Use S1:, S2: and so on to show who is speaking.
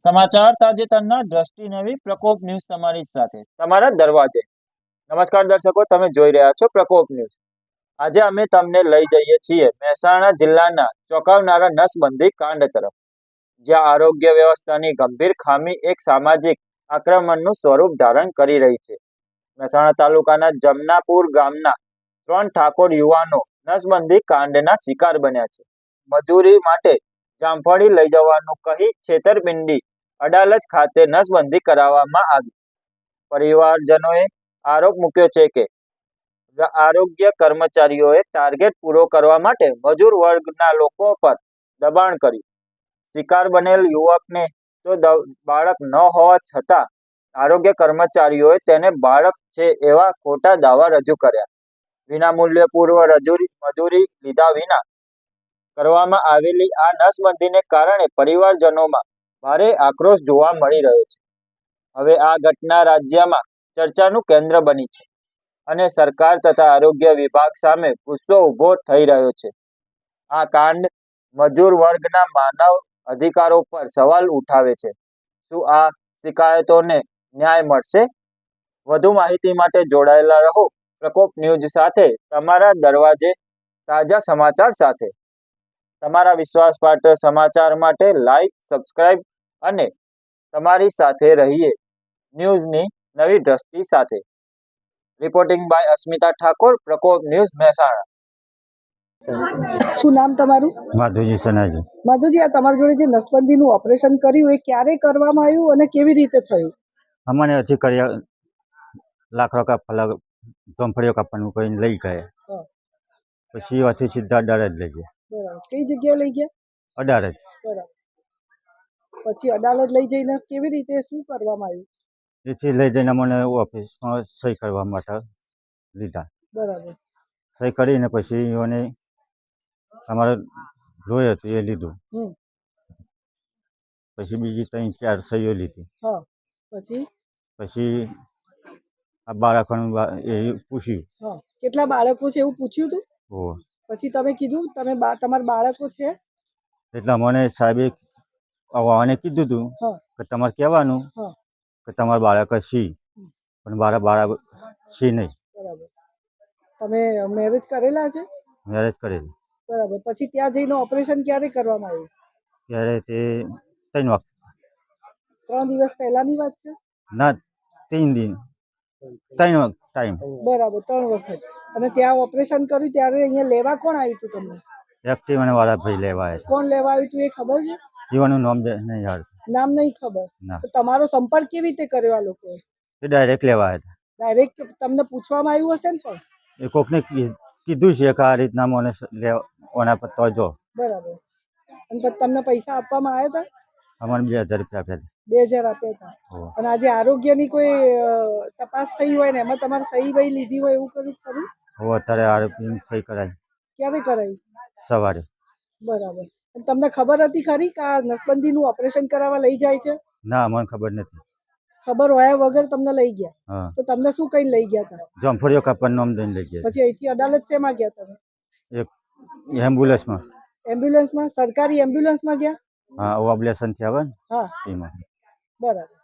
S1: સમાચાર તાજેતરના દ્રષ્ટિ નવી પ્રકોપ ન્યૂઝ તમારી સાથે તમારા દરવાજે। નમસ્કાર દર્શકો, તમે જોઈ રહ્યા છો પ્રકોપ ન્યૂઝ। આજે અમે તમને લઈ જઈએ છીએ મહેસાણા જિલ્લાના ચોંકાવનારા નસબંધી કાંડ તરફ, જ્યાં આરોગ્ય વ્યવસ્થાની ગંભીર ખામી એક સામાજિક આક્રમણનું સ્વરૂપ ધારણ કરી રહી છે। મહેસાણા તાલુકાના જમનાપુર ગામના 3 ઠાકોર યુવાનો નસબંધી કાંડના શિકાર બન્યા છે। મજૂરી માટે જામફળી લઈ જવાનું કહી છેતરપિંડી અડાલજ ખાતે નસબંધી કરાવવામાં આવી। પરિવારજનોએ આરોપ મૂક્યો છે કે આરોગ્ય કર્મચારીઓએ ટાર્ગેટ પૂરો કરવા માટે મજૂર વર્ગના લોકો પર દબાણ કર્યું। શિકાર બનેલ યુવકને તો બાળક ન હોવા છતાં આરોગ્ય કર્મચારીઓએ તેને બાળક છે એવા ખોટા દાવા રજૂ કર્યા। વિનામૂલ્યે પૂર્વ મજૂરી લીધા વિના કરવામાં આવેલી આ નસબંધીને કારણે પરિવારજનોમાં ભારે આક્રોશ જોવા મળી રહ્યો છે। હવે આ ઘટના રાજ્યમાં ચર્ચાનું કેન્દ્ર બની છે અને સરકાર તથા આરોગ્ય વિભાગ સામે ગુસ્સો ઊભો થઈ રહ્યો છે। આ કાંડ મજૂર વર્ગના માનવ અધિકારો પર સવાલ ઉઠાવે છે। શું આ શિકાયતોને ન્યાય મળશે? વધુ માહિતી માટે જોડાયેલા રહો પ્રકોપ ન્યૂઝ સાથે, તમારા દરવાજે તાજા સમાચાર સાથે। તમારા વિશ્વાસપાત્ર સમાચાર માટે લાઈક, સબસ્ક્રાઇબ અને તમારી સાથે રહીએ ન્યૂઝની નવી દ્રષ્ટિ સાથે। રિપોર્ટિંગ બાય અસ્મિતા ઠાકોર, પ્રકોપ ન્યૂઝ, મહેસાણા।
S2: શું નામ તમારું?
S3: માધુજી સનાજી।
S2: માધુજી, આ તમારી જોડે જે નસબંધીનું ઓપરેશન કર્યું એ ક્યારે કરવામાં આવ્યું અને કેવી રીતે થયું?
S3: અમને હજી કર્યા લાકડો કાપવા જોમફળીઓ કાપવાનું કહીને લઈ ગયા,
S2: હા,
S3: પછી અહીંથી સીધા અડાલજ લઈ ગયા।
S2: બરાબર. કઈ જગ્યાએ લઈ ગયા?
S3: અડાલજ।
S2: બરાબર. પછી અદાલત લઈ જઈને કેવી રીતે શું કરવામાં આવ્યું?
S3: એથી લઈ જઈને અમને ઓફિસમાં સહી કરવા માટે લીધા।
S2: બરાબર.
S3: સહી કરીને પછી એને અમારે લોહી હતું એ લીધું,
S2: હમ.
S3: પછી બીજી 3-4 સહીઓ લીધી।
S2: હા, પછી
S3: પછી આ બાળકોનું એ પૂછ્યું।
S2: હા, કેટલા બાળકો છે એવું પૂછ્યું હતું?
S3: ઓહ,
S2: પછી તમે કીધું તમારા બાળકો છે?
S3: એટલે મને સાહેબે આવવાને કીધું હતું
S2: હા,
S3: કે તમારે કહેવાનું
S2: હા,
S3: કે તમારા બાળક સી, પણ મારા બાળક સી નહીં।
S2: બરાબર. તમે મેરેજ કરેલા છે?
S3: મેરેજ કરેલું
S2: બરાબર. પછી ત્યાં જઈને ઓપરેશન ક્યારે કરવામાં આવ્યું?
S3: ત્યારે તે 3 વખત
S2: 3 દિવસ પહેલાની વાત છે?
S3: ના, 3 દિન 3 વખત ટાઈમ।
S2: બરાબર, 3 વખત. અને ત્યાં ઓપરેશન કર્યું ત્યારે અહીંયા લેવા કોણ આવ્યું હતું તમને?
S3: એક્ટિવાને વાળા ભાઈ લેવા આવ્યા
S2: કોણ લેવા આવ્યું હતું એ ખબર છે?
S3: હતા। જીવાનું નામ નહીં યાદ।
S2: નામ નહીં ખબર?
S3: ના,
S2: તો તમારો સંપર્ક કેવી રીતે કર્યો આ લોકોએ?
S3: એ ડાયરેક્ટ લેવા આવ્યા
S2: ડાયરેક્ટ તમને પૂછવામાં આવ્યું હશે ને પણ?
S3: હતા। એ કોકને કીધું છે કે આ રીતના મને ઓના પર તો જો
S2: બરાબર. અને પછી તમને પૈસા આપવામાં આવ્યા હતા?
S3: અમને 2000 રૂપિયા આપ્યા
S2: 2000 આપ્યા હતા.
S3: હતા।
S2: અને આજે આરોગ્યની કોઈ તપાસ થઈ હોય ને એમાં તમારે સહી વહી લીધી હોય એવું કર્યું ખરું?
S3: હવે અત્યારે આરોપીની સહી કરાવી
S2: ક્યારે કરાવી?
S3: સવારે।
S2: બરાબર. અને તમને ખબર હતી ખરી કે આ નસબંધીનું ઓપરેશન કરાવવા લઈ જાય છે?
S3: ના, મને ખબર નથી।
S2: ખબર હોયા વગર તમને લઈ ગયા?
S3: હા,
S2: તો તમને શું કઈ લઈ ગયા હતા?
S3: જોમફળીઓ કાપવાનું નામ દઈને લઈ ગયા
S2: પછી અહીંથી અદાલત શેમાં ગયા તમે?
S3: એક એમ્બ્યુલન્સમાં।
S2: એમ્બ્યુલન્સમાં? સરકારી એમ્બ્યુલન્સમાં ગયા?
S3: હા, ઓબ્લેશન થી આવે ને
S2: હા,
S3: એમાં।
S2: બરાબર.